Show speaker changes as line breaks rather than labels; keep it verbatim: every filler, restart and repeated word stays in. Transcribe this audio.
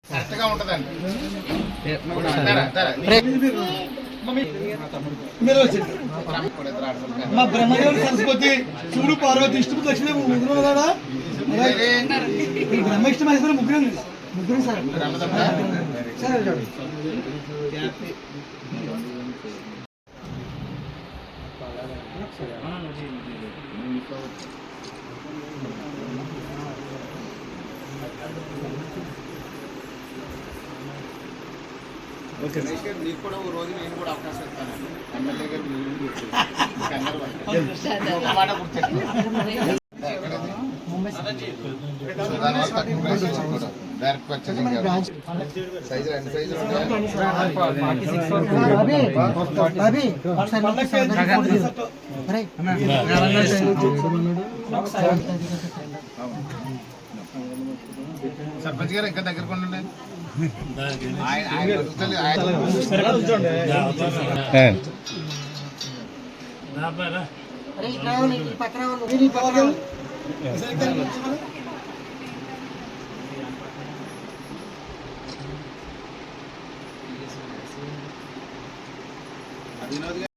కరెక్ట్గా ఉంటుందండి.
మా బ్రహ్మదేవుడు సరస్వతి శివుడు పార్వతి ఇష్టం లక్ష్మి ముగ్గురు కదా బ్రహ్మ ఇష్టం అయితే ముగ్గురు ముగ్గురు సార్ సార్
ఓకే మీకు కూడా ఓ రోజు నేను కూడా అవకాశం ఇస్తాను. ఎమ్మెల్యే గారు మాట డైరెక్ట్ పర్చేసింగ్ సైజు రెండు సైజులు సర్పంచ్ గారు ఇంకా దగ్గరకు ఉండండి. వినోద్